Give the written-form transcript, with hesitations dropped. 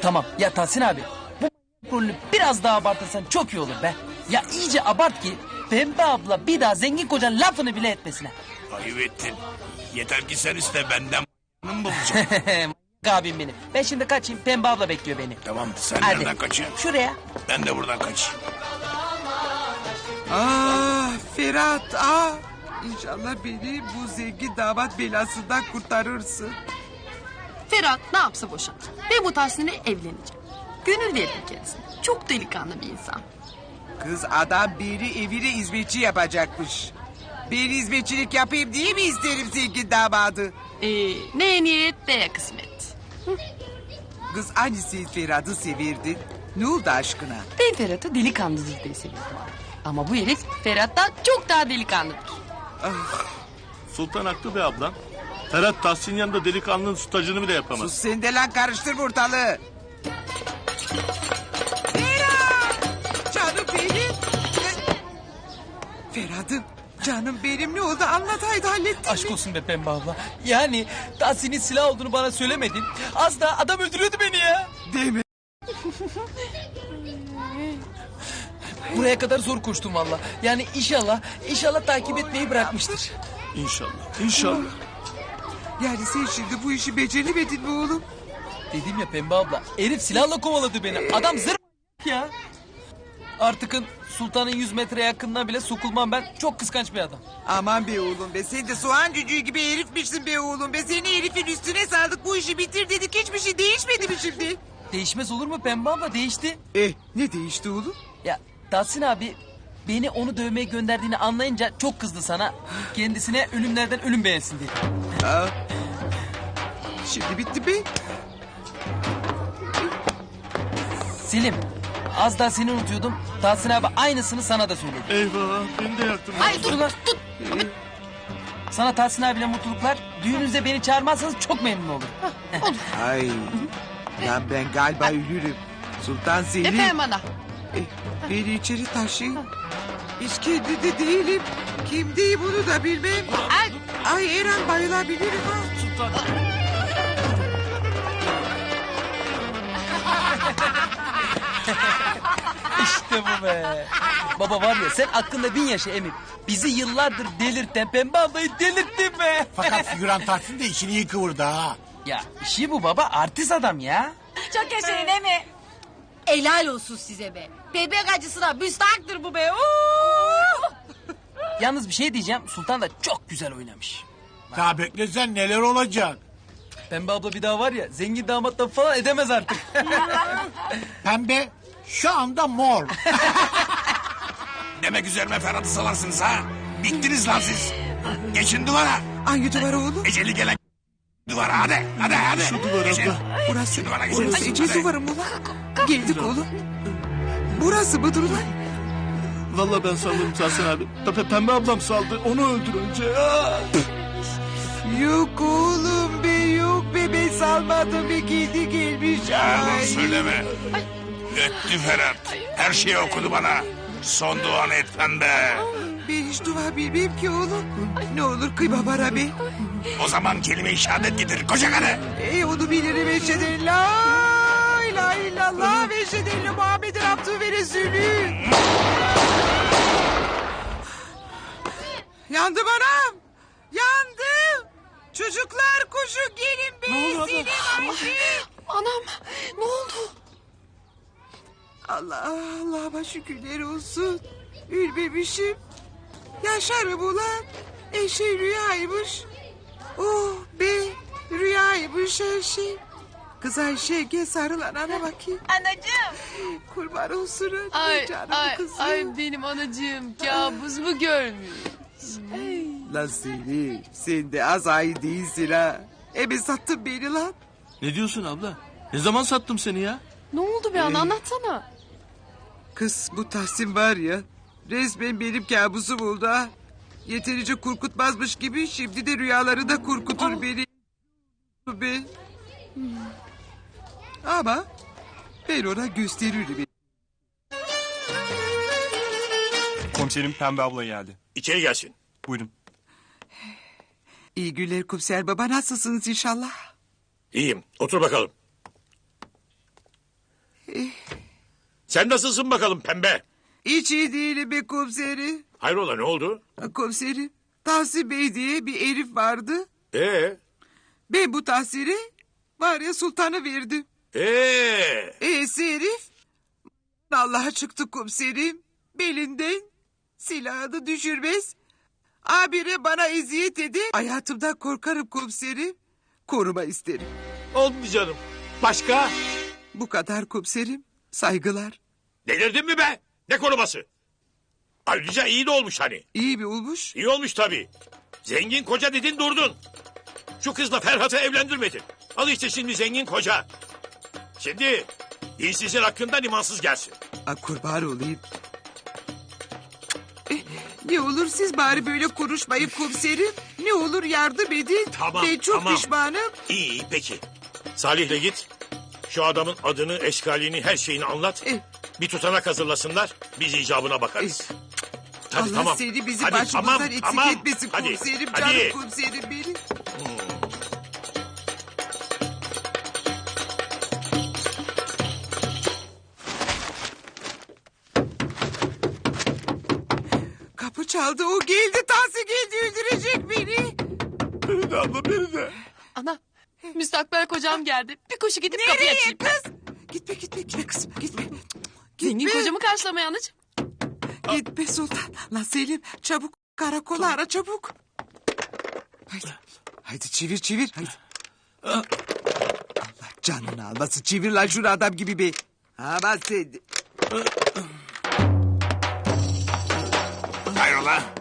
Tamam ya Tahsin abi. Bu rolünü biraz daha abartırsan çok iyi olur be. Ya iyice abart ki Pembe abla bir daha zengin kocanın lafını bile etmesine. Ayıp ettin. Yeter ki sen iste benden mı bulacağım? Abim benim. Ben şimdi kaçayım, Pembe abla bekliyor beni. Tamam sen Hadi. nereden kaçıyorsun? Şuraya. Ben de buradan kaçayım. Ah Ferhat ah. İnşallah beni bu zengin damat belasından kurtarırsın. Ferhat ne yapsa boşan. Ben bu Tahsin'le evleneceğim. Gönül verdim kendisine. Çok delikanlı bir insan. Kız adam beni evine hizmetçi yapacakmış. Ben hizmetçilik yapayım diye mi isterim zengin damadı? Ne niyet ne kısmet. Kız hani sen Ferhat'ı severdin? Ne oldu aşkına? Ben Ferhat'ı delikanlıdır diye seviyorum. Ama bu herif Ferhat'tan çok daha delikanlıdır. Sultan haklı be ablam. Ferhat Tahsin yanında delikanlının stajını bile yapamaz. Sus sen de lan karıştır ortalığı. Ferhat! Canım benim. Ferhat'ım canım benim ne oldu anlat haydi hallettin Aşk mi? olsun be Pembe abla. Yani Tahsin'in silah olduğunu bana söylemedin. Az daha adam öldürüyordu beni ya. Değil mi? Buraya kadar zor koştum valla. Yani inşallah takip etmeyi bırakmıştır. İnşallah. İnşallah. Yani sen şimdi bu işi beceremedin mi oğlum? Dedim ya Pembe abla, herif silahla kovaladı beni. Adam zır ya. Artıkın sultanın 100 metre yakınına bile sokulmam ben. Çok kıskanç bir adam. Aman be oğlum be sen de soğan cücüğü gibi herifmişsin be oğlum be. Seni herifin üstüne saldık bu işi bitir dedik hiçbir şey değişmedi mi şimdi? Değişmez olur mu Pembe abla, değişti. Ne değişti oğlum? Ya Tahsin abi beni onu dövmeye gönderdiğini anlayınca çok kızdı sana. Kendisine ölümlerden ölüm beğensin dedi. Aa, şimdi bitti be. Selim, az daha seni unutuyordum. Tahsin abi aynısını sana da söyledi. Eyvah beni de yaktın. Ay dur tut. Sana Tahsin abiyle mutluluklar. Düğününüzde beni çağırmazsanız çok memnun olurum. Ay. Lan ben galiba ölürüm. Sultan Selim. Efendim ana. Beni içeri taşıyın. Hiç kendinde değilim. Kimdeyim bunu da bilmem. Ay Eren bayılabilirim ha. Sultan. İşte bu be. Baba var ya sen aklında bin yaşa Emin. Bizi yıllardır delirten Pembe ablayı delirttin be. Fakat figüran Tahsin de işini iyi kıvırdı ha. Ya işi bu baba, artist adam ya. Çok yaşayın değil mi? Helal olsun size be. Bebek acısına müstahaktır bu be. Yalnız bir şey diyeceğim, Sultan da çok güzel oynamış. Daha beklesen neler olacak. Pembe abla bir daha var ya zengin damatla falan edemez artık. Pembe şu anda mor. Demek üzerime Ferhat'ı salarsınız ha? Bittiniz lan siz. Geçin duvara. Hangi duvar oğlum? Eceli gelen duvara hadi. Hadi. Şu duvara Geçin. abla. Burası. Şu duvara geçin. Burası Ece Hadi. duvarı mı lan? Geldik oğlum. Burası mıdır lan? Vallahi ben saldım Tahsin abi. Pembe ablam saldı. Onu öldür önce. Yok oğlum be yok be ben salmadım be kendi gelmiş. Yalan Ay. söyleme. Öttü Ferhat. Her şeyi okudu bana. Son duanı et pembe. Ben hiç dua bilmem ki oğlum. Ne olur kıyma bana be. O zaman kelime-i şehadet getir koca karı. Onu bilirim eşheden la ilahe illallah ve eşheden Muhammed'in abdü ve resulü. Yandım anam. Yandım. Çocuklar koşun gelin be. Selim Ayşe. Anam ne oldu? Allah'ıma şükürler olsun. Ölmemişim. Yaşarım ulan. Eşe rüyaymış. Oh be rüyaymış her şey. Kız Ayşe gel sarıl anana bakayım. Anacığım. Kurban olsun Ay canım ay kızım. ay benim anacığım kabus mu görmüş? Lan seni sen de az ay değilsin ha. Ebe sattın beni lan. Ne diyorsun abla? Ne zaman sattım seni ya? Ne oldu be ana anlatsana. Kız bu Tahsin var ya resmen benim kabusum oldu ha. Yeterince korkutmazmış gibi şimdi de rüyaları da korkutur beni. Be. Ama ben ona gösteririm. Komiserim Pembe abla geldi. İçeri gelsin. Buyurun. İyi günler komiser baba nasılsınız inşallah? İyiyim. Otur bakalım. Sen nasılsın bakalım pembe? Hiç iyi değilim be komiserim. Hayrola ne oldu? Komiserim, Tahsin Bey diye bir herif vardı. Ben bu Tahsin'e var ya sultanı verdim. Herif Allah'a çıktı komiserim. Belinden silahını düşürmez. Abire bana eziyet edin. Hayatımdan korkarım komiserim. Koruma isterim. Oldu canım. Başka? Bu kadar komiserim. Saygılar. Delirdin mi be? Ne koruması? Ayrıca iyi de olmuş hani. İyi mi olmuş? İyi olmuş tabii. Zengin koca dedin durdun. Şu kızla Ferhat'ı evlendirmedin. Al işte şimdi zengin koca. Şimdi dinsizin hakkından imansız gelsin. Kurban olayım. Ne olur siz bari böyle konuşmayın komiserim. Ne olur yardım edin. Tamam, Ben çok tamam. pişmanım. İyi peki. Salih'le git. Şu adamın adını, eşkalini, her şeyini anlat. Bir tutanak hazırlasınlar. Biz icabına bakarız. Tabii, Allah tamam. seni bizi Hadi, başımızdan eksik tamam. etmesin Hadi, komiserim. hadi. Canım komiserim benim. Kapı çaldı, o geldi. Tahsin geldi, öldürecek beni. Beni de abla beni de. Ana müstakbel kocam geldi. Bir koşu gidip kapıyı açayım. Kız? Gitme kızım, gitme. Zengin kocamı karşılamaya anacığım. Gitme Sultan. Lan Selim, çabuk karakola ara çabuk. Haydi çevir. Haydi. Allah canını almasın. Çevir lan şunu adam gibi be. Aman sen. Hayrola?